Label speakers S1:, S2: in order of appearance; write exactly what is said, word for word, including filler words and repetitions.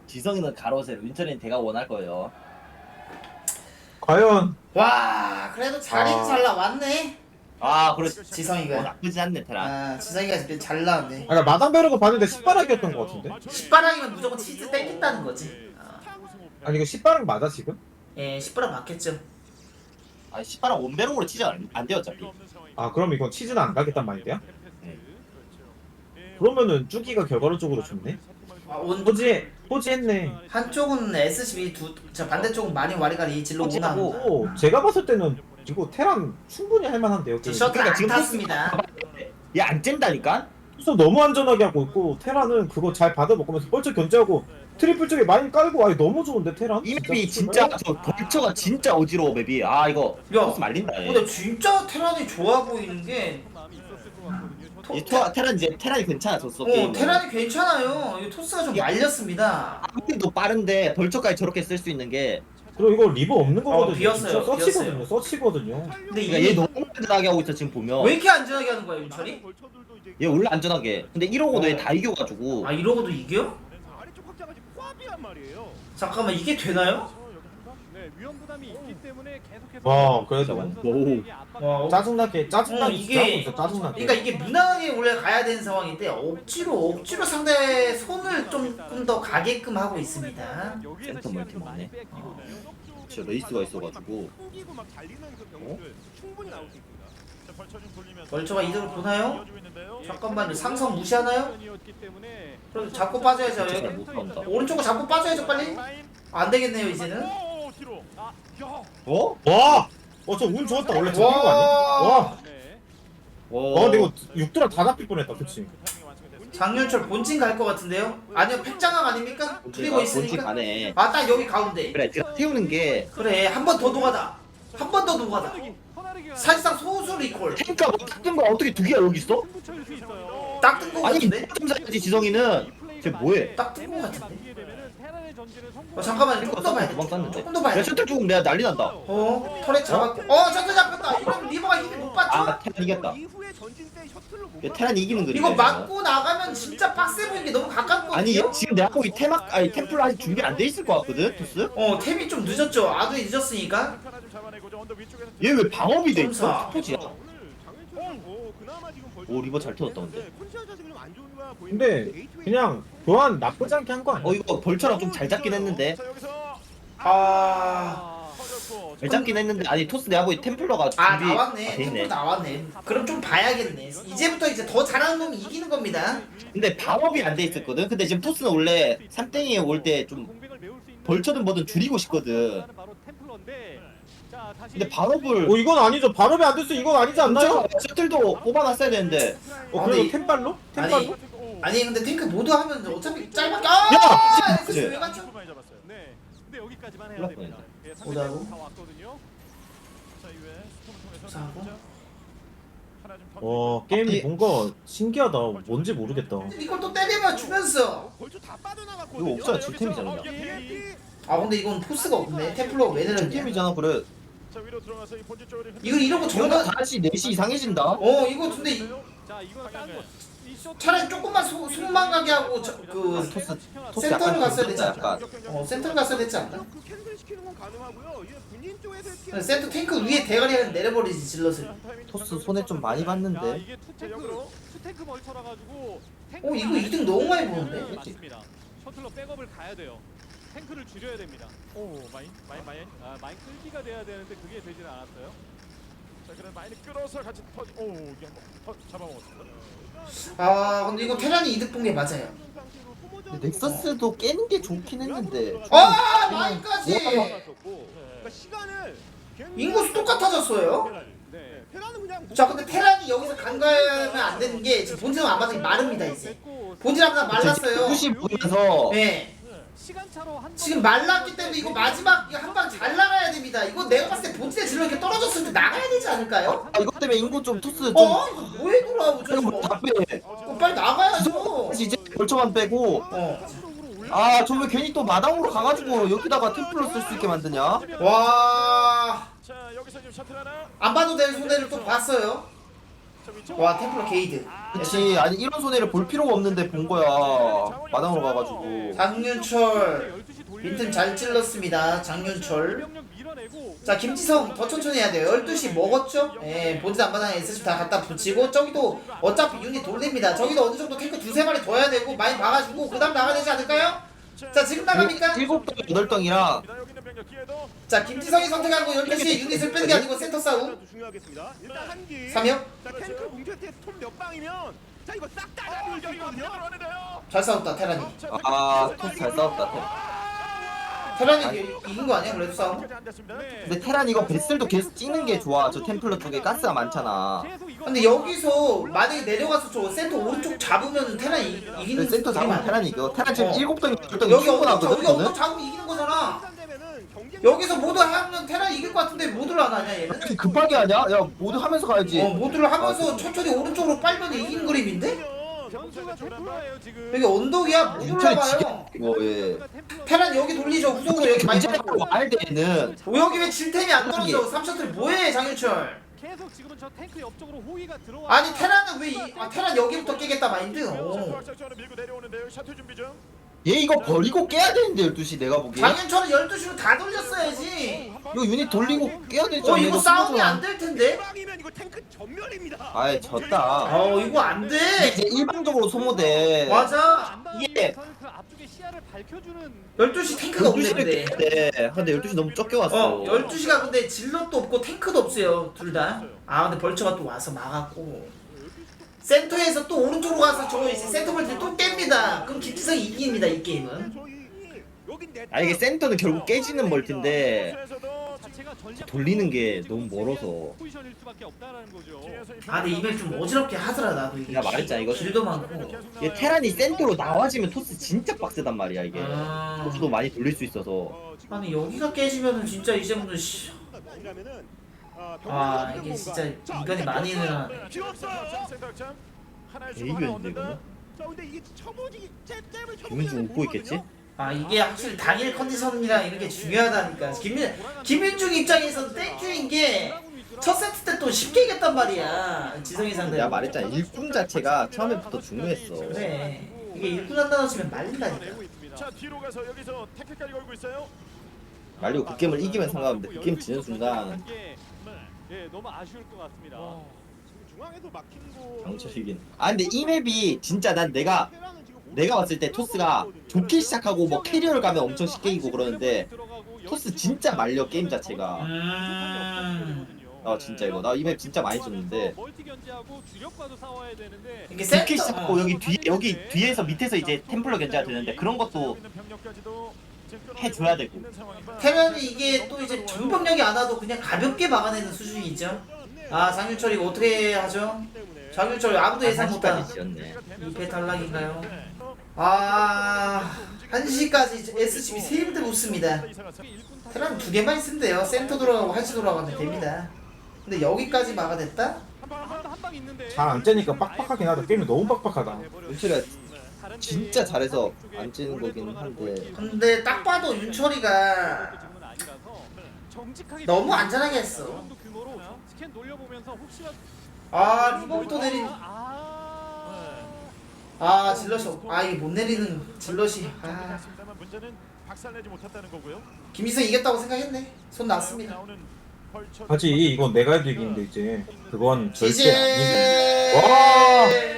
S1: 지성이는 가로 세로, 윤철이는 대가 원할 거예요.
S2: 과연
S3: 와 그래도 자리는
S2: 아.
S3: 잘 나왔네.
S1: 아, 그래.
S3: 지성이가.
S1: 어, 나쁘지 않네, 테란.
S3: 아 지성이가 진짜 잘 나왔네.
S2: 아까 마당 벼르고 봤는데 십바락이었던 것 같은데?
S3: 십바랑이면 무조건 치즈 땡긴다는 거지. 아,
S2: 아니 이거 십바락 맞아 지금?
S3: 예 십바랑 맞겠죠.
S1: 아, 십바랑 원배롱으로 치지 안, 안 돼요, 어차피.
S2: 아 그럼 이건 치즈는 안 가겠단 말인데요? 그러면은 쭈기가 결과론적으로 좋네?
S3: 아, 온
S2: 포지 포지했네.
S3: 한쪽은 에스씨비 두, 저 반대쪽은 많이 와리가리 질러 오나고.
S2: 오 제가 봤을 때는 이거 테란 충분히 할만한데요.
S3: 제 셔틀
S1: 그러니까
S3: 안
S1: 지금
S3: 탔습니다.
S1: 얘 안 쨘다니까?
S2: 그래서 너무 안전하게 하고 있고 테란은 그거 잘 받아먹으면서 뻘쩍 견제하고 트리플 쪽에 많이 깔고 아니 너무 좋은데 테란?
S1: 이 맵이 진짜, 저 벌처가 진짜 어지러워, 맵이. 아, 이거.
S3: 야,
S1: 토스 말린다, 얘.
S3: 근데 진짜 테란이 좋아 보이는 게 토,
S1: 이 토, 테란 이제, 테란이 괜찮아졌어,
S3: 어
S1: 게임은.
S3: 테란이 괜찮아요. 이 토스가 좀 말렸습니다.
S1: 아무래도 빠른데, 벌처까지 저렇게 쓸 수 있는 게.
S2: 그리고 이거 리버 없는 거거든요.
S3: 비었어요,
S2: 진짜 서치거든요. 서치거든요.
S3: 근데
S1: 그러니까
S3: 이게
S1: 얘 너무 안전하게 하고 있어, 지금 보면.
S3: 왜 이렇게 안전하게 하는 거야 윤철이?
S1: 얘 원래 안전하게. 근데 이러고도
S2: 어.
S1: 얘 다 이겨가지고.
S3: 아 이러고도 이겨?
S4: 아래쪽 확장까지 포함이란 말이에요.
S3: 잠깐만 이게 되나요?
S4: 네, 위험 부담이 있기 때문에 계속해서
S2: 와 그래도
S1: 오.
S3: 와,
S2: 짜증나게 짜증나게
S3: 어,
S2: 진짜 하고
S3: 이게
S2: 있어 짜증나게.
S3: 그러니까 이게 무난하게 원래 가야 되는 상황인데 억지로 억지로 상대 손을 조금 더 가게끔 하고 있습니다.
S1: 센터 멀티 먹네. 진짜 레이스가 있어가지고.
S4: 꾸기고 막 달리는 그 경우들 충분히 나올 수 있습니다. 자, 벌쳐 좀 돌리면서
S3: 벌처가 이득을 보나요?
S4: 이어지고 있는데요.
S3: 잠깐만 상성 무시하나요?
S4: 이었기 때문에
S3: 그럼 잡고 빠져야죠.
S1: 진짜
S3: 여기.
S1: 잘 못 나온다.
S3: 오른쪽으로 잡고 빠져야죠 빨리.
S4: 라인.
S3: 안 되겠네요 이제는.
S4: 오, 뒤로. 아, 야.
S1: 어?
S2: 와! 어 저 운 좋았다 원래 잡힌 거 아니야? 와!
S4: 네.
S2: 어 근데 이거 육드라 다 잡힐 뻔했다 그치?
S4: 그 타이밍이 완성이 됐습니다.
S3: 장윤철 본진 갈 것 같은데요? 아니요 팩장악 아닙니까? 그리고
S1: 본진
S3: 있으니까.
S1: 가네.
S3: 아 딱 여기 가운데.
S1: 그래, 제가 태우는 게.
S3: 그래 한 번 더 노가다. 한 번 더 노가다.
S4: 허나르기가
S3: 사실상 소수 리콜.
S1: 탱크가 뭐 뜯은 거야? 어떻게 두 개가 여기 있어?
S4: 붙여줄 수 있어요.
S3: 딱 뜬 거
S1: 아니,
S3: 같은데?
S1: 탐사야지, 지성이는. 쟤 뭐해?
S3: 딱 뜬 거 같은데?
S4: 이게 되면은 테란의 전진을 성공.
S3: 어 잠깐만 조금 더 봐야 돼.
S1: 도망 쐈는데.
S3: 조금 더 봐야
S1: 야,
S3: 돼.
S1: 셔틀 죽으면 내가 난리 난다.
S3: 어 터렛 잡았고. 어 셔틀 잡혔다. 이러면 리버가 힘이 못 받죠?
S1: 아, 테란 이겼다.
S4: 이후에 전진 때 셔틀로 못
S1: 얘 테란 이기는 그림.
S3: 이거 맞고 나가면 진짜 빡세 보이는 게 너무 가깝거든요.
S1: 아니, 얘 지금 내가 보기 테막, 아니, 템플 아직 준비 안 돼 있을 것 같거든, 토스?
S3: 어 템이 좀 늦었죠. 아주 늦었으니까.
S4: 하나 좀 잡아내고 저 언덕 위쪽에서
S1: 얘 왜 방업이 돼 있어?
S3: 점사.
S1: 스포지야.
S4: 오늘 장윤철 그나마 지금 벌써
S1: 오, 리버 잘 터졌다, 근데.
S4: 컨디션 자체는 좀안 좋은 거야 보이는데
S2: 근데
S4: 게이트웨이
S2: 그냥 교환 나쁘지 않게 한 거 아니야?
S1: 어, 이거 벌처랑 좀 잘 잡긴 했는데.
S4: 자, 여기서
S3: 아.
S4: 터졌고.
S1: 잘 잡긴 했는데, 아니, 토스 내가 보기 템플러가 준비.
S3: 아 나왔네.
S1: 아,
S3: 템플
S1: 됐네.
S3: 나왔네. 그럼 좀 봐야겠네. 이제부터 이제 더 잘하는 놈이 이기는 겁니다.
S1: 근데 방업이 안 돼 있었거든? 근데 지금 토스는 원래 삼 땡이에 올 때 좀
S4: 공백을 메울 수 있는
S1: 벌처든 뭐든 줄이고 싶거든.
S4: 바로 템플러인데. 자, 다시
S1: 근데 방업을.
S2: 어 이건 아니죠. 발업이 안 됐어. 이건 아니지 않나요?
S1: 셔틀도 뽑아놨어야 되는데.
S2: 어
S3: 아,
S2: 그래도
S3: 근데
S2: 템발로?
S3: 아니,
S2: 템발로?
S3: 아니 근데 탱크 모두 하면 어차피 짧게. 아!
S1: 야!
S3: 에스씨 왜 갔죠?
S4: 많이 잡았어요. 네. 근데 여기까지만 해야
S1: 그럴
S4: 됩니다. 예,
S3: 오다고?
S4: 상대가 다 왔거든요. 자, 이후에 스톰을 통해서
S3: 사고?
S4: 진짜 하나 좀
S2: 와
S4: 던지고.
S2: 게임이
S1: 이-
S2: 뭔가 신기하다. 뭔지 모르겠다.
S3: 이걸 또 때리면 주면서.
S4: 벌써 다 빠져나갔거든요.
S1: 이거 없어요,
S4: 자,
S1: 질템이잖아,
S4: 여기서
S1: 그냥.
S4: 어, 예.
S3: 아 근데 이건 포스가 없네. 템플러가 왜 내렸냐?
S1: 팀이잖아, 그래.
S4: 자, 위로 들어가서 이 본진 쪽으로
S3: 이거 이러고
S1: 저거
S3: 정말
S1: 다시 넷이 이상해진다.
S3: 어 이거 근데 이-
S4: 자, 이거 딴 거. 이 셔틀-
S3: 차라리 조금만 소, 숨만 가게 하고 저, 그
S1: 토스, 토스
S3: 센터로
S1: 약간
S3: 갔어야 되지
S1: 약간.
S3: 않나? 어 센터로 갔어야 되지 않나?
S4: 그 캔슬 시키는 건 가능하고요. 이게 본인 쪽에서
S3: 근데 센터 탱크 위에 대가리를 내려버리지 질럿을.
S1: 토스 손에 좀 많이
S4: 야,
S1: 봤는데.
S4: 이게 투탱크 투탱크 멀쳐라 가지고
S3: 어 이거 이득 너무 많이 보는데?
S4: 맞습니다. 셔틀러 백업을 가야 돼요. 탱크를 줄여야 됩니다. 오 마인 마인 마인 아 마인 끌기가 돼야 되는데 그게 되지는 않았어요. 자 그럼 마인을 끌어서 같이 터지. 오 이게 한번 터 잡아먹었습니다.
S3: 아 근데 이거 테란이 이득 본 게 맞아요.
S1: 근데 넥서스도 깨는 게 좋긴 했는데.
S3: 아 마인까지.
S4: 그러니까 시간을
S3: 인구수 똑같아졌어요.
S4: 네. 테라는 그냥
S3: 자 근데 테란이 여기서 간과하면 안 되는 게 지금 본진은 안 맞으니 마릅니다 이제. 본진 하나 말랐어요.
S1: 굿이 보면서.
S3: 네.
S4: 시간 차로 한
S3: 지금 말랐기 때문에 이거 마지막 한 방 잘 나가야 됩니다. 이거 내가 봤을 때 본진에 질러 이렇게 떨어졌을 때 나가야 되지 않을까요?
S1: 아, 이것 때문에 인구 좀 토스 좀.
S3: 어? 이거 뭐해 돌아오죠
S1: 그럼
S3: 지금?
S1: 뭐다 빼.
S3: 어, 빨리 나가야죠.
S1: 다시 이제 벌처만 빼고.
S3: 어.
S1: 아, 저 왜 괜히 또 마당으로 가가지고 여기다가 템플러 쓸 수 있게 만드냐?
S3: 와.
S4: 자 여기서 지금 셔틀 하나.
S3: 안 봐도 될 손해를 또 봤어요. 와 템플러 게이드.
S1: 그치. 아니 이런 손해를 볼 필요가 없는데 본 거야. 마당으로 가가지고.
S3: 장윤철 빈틈 잘 찔렀습니다. 장윤철. 자 김지성 더 천천히 해야 돼요. 열두 시 먹었죠? 예, 본진 안마당에 에스씨 다 갖다 붙이고 저기도 어차피 유닛 돌립니다. 저기도 어느 정도 탱크 두세 마리 더 해야 되고 많이 막아주고 그 다음 나가야 되지 않을까요? 자 지금 나갑니까?
S1: 일곱 덩 여덟 덩이랑
S3: 자 김지성이 선택하고 열두 시에 유닛을 빼는 게 아니고 센터 싸움.
S5: 중요하겠습니다. 일단 한기.
S3: 삼엽
S5: 자, 탱크 공격 때 톱 몇 방이면 자 이거 싹다 잡을 수 있거든요.
S3: 잘 싸웠다 테란이.
S1: 아 토스 잘 싸웠다.
S3: 테란이 이- 이긴 거 아니야 그래도 싸움?
S1: 근데 테란 이거 베슬도 계속 찍는 게 좋아. 저 템플러 쪽에 가스가 많잖아.
S3: 근데 여기서 만약에 내려가서 저 센터 오른쪽 잡으면 테란이 이-
S1: 근데
S3: 이기는
S1: 센터 잡으면
S3: 그림
S1: 테란이 이겨. 테란 지금
S3: 어.
S1: 일곱 덩이 여덟 덩이
S3: 여기 언덕
S1: 충분하거든.
S3: 여기 언덕
S1: 이거는.
S3: 잡으면 이기는 거잖아.
S5: 상대면은 경쟁
S3: 여기서 모두 하면 테란이 이길 것 같은데 모두를 안 하냐 얘는?
S1: 그렇게 급하게 하냐? 야 모두 하면서 가야지.
S3: 어 모두를 하면서 천천히 오른쪽으로 빨면 이기는 그림인데?
S4: 점수가 템플러예요 지금.
S3: 여기 언덕이야 모두를
S1: 윤철이
S3: 봐요.
S1: 지게 이거 예.
S3: 테란 여기 돌리죠 후속으로 여기 많이
S1: 견제하고
S3: 잡고.
S1: 와야 되는.
S3: 오 여기 왜 질템이 안 떨어져? 삼셔틀 뭐해 장윤철?
S4: 계속 지금은 저 탱크 옆쪽으로 호위가 들어와.
S3: 아니 테란은 왜 이, 아 테란 여기부터 깨겠다 마인드. 오.
S1: 얘 이거 버리고 깨야 되는데 열두 시 내가 보기에.
S3: 장윤철은 열두 시로 다 돌렸어야지.
S1: 이거 유닛 돌리고 깨야 되지
S3: 어
S1: 않냐?
S3: 이거 싸움이 안 될 텐데.
S5: 방이면 이거 탱크 전멸입니다.
S1: 아이 졌다.
S3: 어 이거 안 돼.
S1: 이제 일방적으로 소모돼.
S3: 맞아.
S1: 이게
S4: 그 앞쪽에 시야를 밝혀주는.
S3: 열두 시 탱크가 없네
S1: 열두 시를
S3: 근데.
S1: 깨야 돼. 근데 열두 시 너무 적게 왔어.
S3: 어 열두 시가 근데 질럿도 없고 탱크도 없어요 둘 다. 아 근데 벌처가 또 와서 막았고. 센터에서 또 오른쪽으로 가서 저 이제 센터 벌트 또 깹니다. 그럼 김지성이 이깁니다 이 게임은.
S1: 아 이게 센터는 결국 깨지는 멀티인데
S4: 자체가 전략
S1: 돌리는 게 너무 멀어서.
S4: 포지션일 수밖에 없다라는 거죠.
S3: 아 근데 이번에 좀 어지럽게 하더라 나도 이게.
S1: 내가 말했잖아, 이거.
S3: 길도 많고.
S1: 얘 테란이 센터로 나와지면 토스 진짜 빡세단 말이야 이게.
S3: 아,
S1: 토스도 많이 돌릴 수 있어서.
S3: 아니 여기가 깨지면은 진짜 이제부터 씨. 아 이게 진짜 인간이 많이 늘어나네.
S5: 필요 없어요.
S1: 이겼는데 이거는.
S5: 자 근데 이게 쳐보지 잽잽을 쳐.
S1: 김민중 웃고 있겠지?
S3: 아 이게 확실히 당일 컨디션이랑 이런 게 중요하다니까. 김민 김민중 입장에서 땡큐인 게 첫 세트 때 또 쉽게 이겼단 말이야. 지성이 상대.
S1: 내가 말했잖아 일꾼 자체가 처음에부터 중요했어.
S3: 그래. 이게 일꾼 한 단어 치면 말린다니까.
S4: 자 뒤로 가서 여기서 태클까지 걸고 있어요.
S1: 말리고 그 게임을 이기면 상관없는데 그 게임 지는 순간
S4: 예 너무 아쉬울 것 같습니다.
S5: 중앙에도 막힌 거.
S1: 강철이긴. 아 근데 이 맵이 진짜 난 내가 내가 봤을 때 토스가 좋게 시작하고 뭐 캐리어를 가면 엄청 쉽게 이기고 그러는데 토스 진짜 말려 게임 자체가.
S3: 음.
S1: 아 진짜 이거 나 이 맵 진짜 많이 줬는데
S4: 멀티 견제하고 주력과도 싸워야 되는데
S3: 이게
S1: 좋게
S3: 센터.
S1: 시작하고
S3: 어.
S1: 여기 뒤에 여기 뒤에서 밑에서 이제 템플러 견제가 되는데 그런 것도 해줘야 되고.
S3: 태면이 이게 또 이제 전병력이 안 와도 그냥 가볍게 막아내는 수준이 있죠. 아 장윤철 이거 어떻게 하죠? 장윤철 아무도 예상 못한
S1: 한시까지 지었네.
S3: 이 배 탈락인가요? 아 한 시까지 에스씨비 세 군데 붙습니다. 테란 두 개만 있으면 돼요. 센터 돌아가고 한시 돌아가면 됩니다. 근데 여기까지 막아냈다?
S4: 한방 있는데
S2: 잘 안 째니까 빡빡하긴 하다. 게임이 너무 빡빡하다.
S1: 윤철이가 진짜 잘해서 안 찌는 거긴 한데
S3: 근데 딱 봐도 윤철이가 너무 안전하게 했어.
S4: 스캔 돌려보면서 혹시나
S3: 아 리볼도 내린.
S4: 아
S3: 아 질럿이 없- 아 이게 못 내리는 질럿이. 아
S4: 문제는 박살내지 못했다는 거고요.
S3: 김희성 이겼다고 생각했네. 손 났습니다.
S2: 하지 이건 내가 해도 이기는데 이제 그건 절대 아니지.
S3: 지제.
S2: 와.